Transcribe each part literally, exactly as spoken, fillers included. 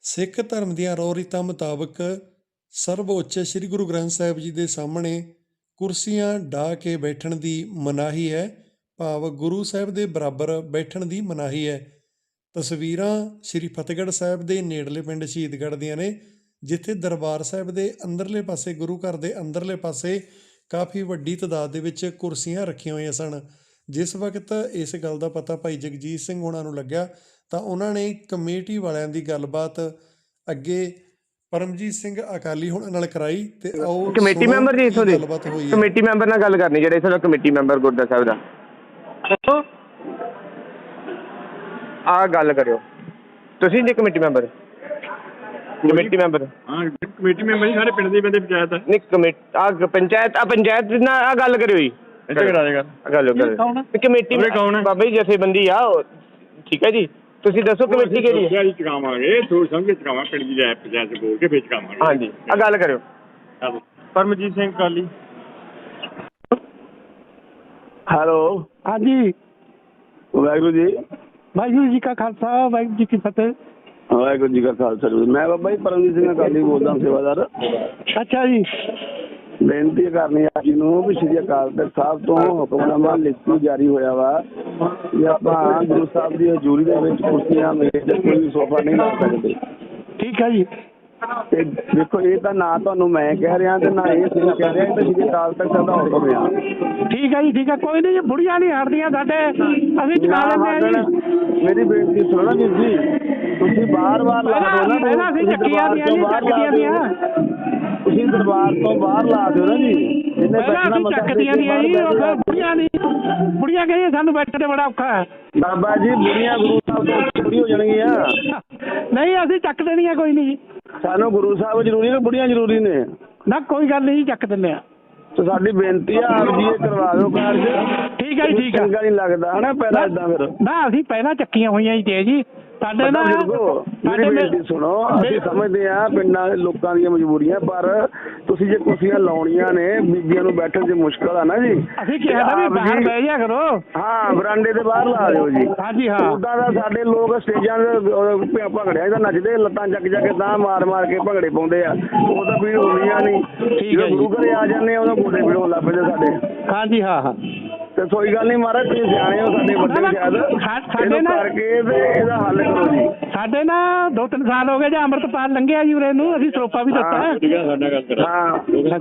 ਸਿੱਖ ਧਰਮ ਦੀਆਂ ਰਹੁ ਰੀਤਾਂ ਮੁਤਾਬਕ ਸਰਵਉੱਚ ਸ੍ਰੀ ਗੁਰੂ ਗ੍ਰੰਥ ਸਾਹਿਬ ਜੀ ਦੇ ਸਾਹਮਣੇ ਕੁਰਸੀਆਂ ਢਾਹ ਕੇ ਬੈਠਣ ਦੀ ਮਨਾਹੀ ਹੈ, ਭਾਵ ਗੁਰੂ ਸਾਹਿਬ ਦੇ ਬਰਾਬਰ ਬੈਠਣ ਦੀ ਮਨਾਹੀ ਹੈ। ਤਸਵੀਰਾਂ ਸ੍ਰੀ ਫਤਿਹਗੜ੍ਹ ਸਾਹਿਬ ਦੇ ਨੇੜਲੇ ਪਿੰਡ ਸ਼ਹੀਦਗੜ੍ਹ ਦੀਆਂ ਨੇ, ਜਿੱਥੇ ਦਰਬਾਰ ਸਾਹਿਬ ਦੇ ਅੰਦਰਲੇ ਪਾਸੇ ਗੁਰੂ ਘਰ ਦੇ ਅੰਦਰਲੇ ਪਾਸੇ ਕਾਫੀ ਵੱਡੀ ਤਾਦਾਦ ਦੇ ਵਿੱਚ ਕੁਰਸੀਆਂ ਰੱਖੀਆਂ ਹੋਈਆਂ ਸਨ। ਜਿਸ ਵਕਤ ਇਸ ਗੱਲ ਦਾ ਪਤਾ ਭਾਈ ਜਗਜੀਤ ਸਿੰਘ ਹੋਣਾ ਨੂੰ ਲੱਗਿਆ ਤਾਂ ਉਹਨਾਂ ਨੇ ਕਮੇਟੀ ਵਾਲਿਆਂ ਦੀ ਗੱਲਬਾਤ ਅੱਗੇ ਪਰਮਜੀਤ ਸਿੰਘ ਅਕਾਲੀ ਹੋਣਾ ਨਾਲ ਕਰਾਈ ਤੇ ਆਓ ਕਮੇਟੀ ਮੈਂਬਰ ਜੀ ਇੱਥੋਂ ਦੇ ਗੱਲਬਾਤ ਹੋਈ। ਕਮੇਟੀ ਮੈਂਬਰ ਨਾਲ ਗੱਲ ਕਰਨੀ, ਜਿਹੜੇ ਇੱਥੋਂ ਦਾ ਕਮੇਟੀ ਮੈਂਬਰ ਗੁਰਦੁਆਰਾ ਸਾਹਿਬ ਦਾ। ਆਹ ਗੱਲ ਕਰਿਓ, ਤੁਸੀਂ ਜੀ ਕਮੇਟੀ ਮੈਂਬਰ? Committee member? ਹਾਂ ਕਮੇਟੀ ਮੈਂਬਰ ਜੀ, ਸਾਰੇ ਪਿੰਡ ਦੇ ਬੰਦੇ ਪੰਚਾਇਤ ਆ। ਨਹੀਂ ਕਮੇਟੀ ਆ ਪੰਚਾਇਤ ਆ ਪੰਚਾਇਤ ਨਾਲ ਆਹ ਗੱਲ ਕਰਿਓ ਜੀ, ਇੱਥੇ ਕਰਾ ਦੇਗਾ ਗੱਲ ਕਰਿਓ। ਕਮੇਟੀ ਬਾਬਾ ਜੀ ਜਥੇਬੰਦੀ ਆ, ਠੀਕ ਹੈ ਜੀ। ਤੁਸੀਂ ਦੱਸੋ ਕਮੇਟੀ ਕਿਹੜੀ ਹੈ? ਚੁਕਾਵਾਂਗੇ, ਸੋਚ ਸਮਝ ਕੇ ਚੁਕਾਵਾਂਗੇ, ਪਿੰਡ ਦੀ ਜਾਇ ਪੰਚਾਇਤ ਬੋਲ ਕੇ ਫੇਰ ਚੁਕਾਵਾਂਗੇ। ਹਾਂਜੀ ਆਹ ਗੱਲ ਕਰਿਓ। ਪਰਮਜੀਤ ਸਿੰਘ ਅਕਾਲੀ। ਹੈਲੋ, ਹਾਂਜੀ। ਵਾਹਿਗੁਰੂ ਜੀ। ਵਾਹਿਗੁਰੂ ਜੀ ਕਾ ਖਾਲਸਾ, ਵਾਹਿਗੁਰੂ ਜੀ ਕੀ ਫਤਿਹ। ਵਾਹਿਗੁਰੂ ਜੀ ਕਾ ਖਾਲਸਾ। ਮੈਂ ਬਾਬਾ ਜੀ ਪਰਮਜੀਤ ਸਿੰਘ ਅਕਾਲੀ ਬੋਲਦਾ, ਸੇਵਾਦਾਰ। ਅੱਛਾ ਜੀ। ਬੇਨਤੀ ਕਰਨੀ ਆ ਜੀ ਨੂੰ ਵੀ ਸ਼੍ਰੀ ਅਕਾਲ ਤਖਤ ਸਾਹਿਬ ਤੋਂ ਹੁਕਮਨਾਮਾ ਲਿਖਤੀ ਜਾਰੀ ਹੋਇਆ ਵਾ ਕਿ ਆਪਾਂ ਗੁਰੂ ਸਾਹਿਬ ਦੀ ਹਜ਼ੂਰੀ ਦੇ ਵਿੱਚ ਕੁਰਸੀਆਂ, ਮੇਜ਼, ਕੋਈ ਵੀ ਸੋਫਾ ਨਹੀਂ ਲਾ ਸਕਦੇ। ਠੀਕ ਹੈ ਜੀ। ਤੇ ਦੇਖੋ, ਇਹ ਤਾਂ ਨਾ ਤੁਹਾਨੂੰ ਮੈਂ ਕਹਿ ਰਿਹਾ ਤੇ ਨਾ ਇਹ ਤੁਸੀਂ ਕਹਿ ਰਿਹਾ, ਇਹ ਤਾਂ ਸ਼੍ਰੀ ਅਕਾਲ ਤਖਤ ਸਾਹਿਬ ਦਾ ਹੁਕਮ ਆ। ਠੀਕ ਹੈ ਜੀ, ਠੀਕ ਹੈ। ਕੋਈ ਨਹੀਂ ਜੀ, ਬੁੜੀਆਂ ਨਹੀਂ ਹਟਦੀਆਂ ਸਾਡੇ, ਅਸੀਂ ਚੁਕਾ ਲੈਂਦੇ ਹਾਂ ਜੀ। ਮੇਰੀ ਬੇਨਤੀ ਸੁਣੋ ਨਾ ਵੀਰ ਜੀ, ਤੁਸੀਂ ਬਾਰ ਬਾਰ ਲਾ ਦਿਓ ਨਾ, ਪਹਿਲਾਂ ਅਸੀਂ ਚੱਕੀਆਂ ਦੀਆਂ ਜੀ, ਚੱਕਦੀਆਂ ਦੀਆਂ। ਤੁਸੀਂ ਦਰਬਾਰ ਤੋਂ ਬਾਹਰ ਲਾ ਦਿਓ ਨਾ ਜੀ, ਜਿਹਨੇ ਪਹਿਲਾਂ ਅਸੀਂ ਚੱਕਦੀਆਂ ਦੀਆਂ ਜੀ, ਉਹ ਫਿਰ ਬੁੜੀਆਂ ਨਹੀਂ, ਬੁੜੀਆਂ ਕਹਿੰਦੀਆਂ ਸਾਨੂੰ ਬੈਠਣ ਤੇ ਬੜਾ ਔਖਾ ਹੈ। ਬਾਬਾ ਜੀ ਬੁੜੀਆਂ ਗੁਰੂ ਸਾਹਿਬ ਤੋਂ ਛੁੱਟੀ ਹੋ ਜਾਣਗੀਆਂ। ਨਹੀਂ ਅਸੀਂ ਚੱਕ ਦੇਣੀਆਂ, ਕੋਈ ਨਹੀਂ ਜੀ। ਸਾਨੂੰ ਗੁਰੂ ਸਾਹਿਬ ਜ਼ਰੂਰੀ ਨੇ, ਬੁੜੀਆਂ ਜ਼ਰੂਰੀ ਨੇ? ਨਾ ਕੋਈ ਗੱਲ ਨਹੀਂ ਜੀ, ਚੱਕ ਦਿੰਦੇ ਆ। ਤੇ ਸਾਡੀ ਬੇਨਤੀ ਆ, ਆਪ ਜੀ ਇਹ ਕਰਵਾ ਦਿਓ ਕਾਰਜ। ਠੀਕ ਹੈ ਜੀ, ਠੀਕ ਹੈ। ਚੰਗਾ ਨਹੀਂ ਲੱਗਦਾ ਹਨਾ ਪਹਿਲਾਂ ਏਦਾਂ ਫਿਰ। ਨਾ ਅਸੀਂ ਪਹਿਲਾਂ ਚੱਕੀਆਂ ਹੋਈਆਂ ਜੀ ਤੇ ਜੀ ਸਾਡੇ ਨਾਲ। ਮੇਰੀ ਬੇਨਤੀ ਸੁਣੋ, ਅਸੀਂ ਸਮਝਦੇ ਹਾਂ ਪਿੰਡਾਂ ਦੇ ਲੋਕਾਂ ਦੀਆਂ ਮਜਬੂਰੀਆਂ, ਪਰ ਤੁਸੀਂ ਜੇ ਕੁਰਸੀਆਂ ਲਾਉਣੀਆਂ ਨੇ, ਬੀਬੀਆਂ ਨੂੰ ਬੈਠਣ 'ਚ ਮੁਸ਼ਕਲ ਆ ਨਾ ਜੀ। ਅਸੀਂ ਕਿਹਾ ਵੀ ਬਾਹਰ ਬਹਿ ਜਾ ਕਰੋ। ਹਾਂ, ਬਰਾਂਡੇ ਦੇ ਬਾਹਰ ਲਾ ਦਿਓ ਜੀ। ਹਾਂਜੀ ਹਾਂ। ਉਦਾਂ ਦਾ ਸਾਡੇ ਲੋਕ ਸਟੇਜਾਂ ਦੇ ਭੰਗੜਿਆਂ ਦਾ ਨੱਚਦੇ, ਲੱਤਾਂ ਚੱਕ ਜਾ ਕੇ ਤਾਂ ਮਾਰ ਮਾਰ ਕੇ ਭੰਗੜੇ ਪਾਉਂਦੇ ਆ, ਉਹ ਤਾਂ ਪੀੜ ਹੁੰਦੀਆਂ ਨਹੀਂ। ਜਦੋਂ ਗੁਰੂ ਘਰੇ ਆ ਜਾਂਦੇ ਆ, ਉਹਦਾ ਗੋਡੇ ਪੀੜ ਹੋਣ ਲੱਗ ਪੈਂਦੇ ਸਾਡੇ। ਹਾਂਜੀ ਹਾਂ ਹਾਂ। ਤੇ ਕੋਈ ਗੱਲ ਨਹੀਂ ਮਹਾਰਾਜ, ਤੁਸੀਂ ਸਿਆਣੇ ਹੋ, ਸਾਡੇ ਵੱਡੇ ਸ਼ਾਇਦ, ਸਾਡੇ ਨਾਲ ਕਰਕੇ ਤੇ ਇਹਦਾ ਹੱਲ ਕਰੋ ਜੀ। ਸਾਡੇ ਨਾ ਦੋ ਤਿੰਨ ਸਾਲ ਹੋ ਗਏ ਜੇ ਅੰਮ੍ਰਿਤਪਾਲ ਲੰਘਿਆ ਜੀ ਉਰੇ ਨੂੰ, ਅਸੀਂ ਸਰੋਪਾ ਵੀ ਦਿੱਤਾ ਹੈ। ਸਾਡਾ ਗੱਲ ਕਰਾ। ਹਾਂ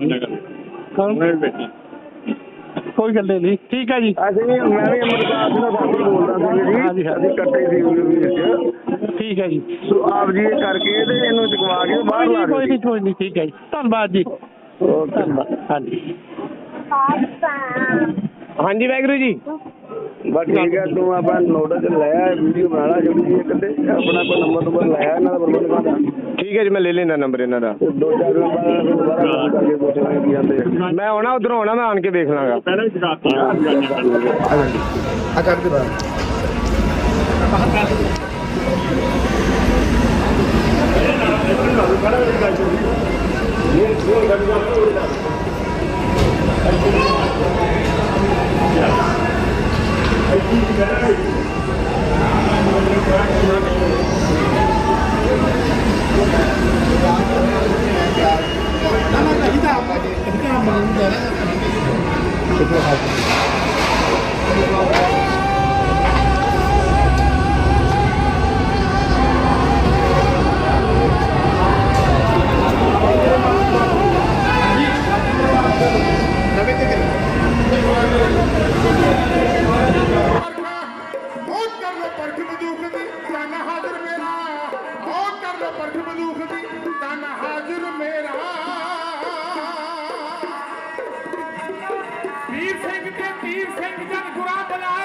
ਕੋਈ ਗੱਲ ਨਹੀਂ, ਠੀਕ ਹੈ ਜੀ। ਅਸੀਂ ਵੀ, ਮੈਂ ਵੀ ਅੰਮ੍ਰਿਤਪਾਲ ਸਿੰਘ ਦਾ ਸਾਥੀ ਬੋਲਦਾ ਸੀ ਜੀ, ਅਸੀਂ ਇਕੱਠੇ ਸੀ ਵੀਰ। ਠੀਕ ਹੈ ਜੀ। ਸੋ ਆਪ ਜੀ ਇਹ ਕਰਕੇ ਤੇ ਇਹਨੂੰ ਚੁਕਵਾ ਕੇ ਬਾਹਰ ਲਾ ਦਿਓ। ਕੋਈ ਨਹੀਂ, ਕੋਈ ਨਹੀਂ, ਠੀਕ ਹੈ ਜੀ, ਧੰਨਵਾਦ ਜੀ। ਧੰਨਵਾਦ। ਹਾਂਜੀ ਹਾਂਜੀ ਵਾਹਿਗੁਰੂ ਜੀ। ਬਸ ਠੀਕ ਹੈ, ਤੂੰ ਆਪਾਂ ਨੋਟਿਸ ਲਿਆ, ਵੀਡੀਓ ਬਣਾ ਲਾ ਛੋਟੀ ਜਿਹੀ ਇੱਕ, ਤੇ ਆਪਣਾ ਕੋਈ ਨੰਬਰ ਨੰਬਰ ਲਾਇਆ ਇਹਨਾਂ ਦਾ ਪ੍ਰਬੰਧਕਾਂ ਦਾ। ਠੀਕ ਹੈ ਜੀ, ਮੈਂ ਲੈ ਲੈਣਾ ਨੰਬਰ ਇਹਨਾਂ ਦਾ। ਦੋ ਚਾਰ ਦਿਨ ਬਾਅਦ ਦੁਬਾਰਾ ਕਰਕੇ ਪੁੱਛਾਂਗੇ ਕੀ ਆਂਦੇ। ਮੈਂ ਆਉਣਾ, ਉੱਧਰੋਂ ਆਉਣਾ, ਮੈਂ ਆਣ ਕੇ ਦੇਖ ਲਾਂਗਾ। ਪਹਿਲਾਂ ਵੀ ਚੁਕਾਤੀ ਆ। ਆ ਕਰ ਦੇ ਬਾਹਰ। ਵੀਰ ਸਿੰਘ ਤੇ ਵੀਰ ਸਿੰਘ ਜਨ ਗੁਰਾਂ ਬੁਲਾ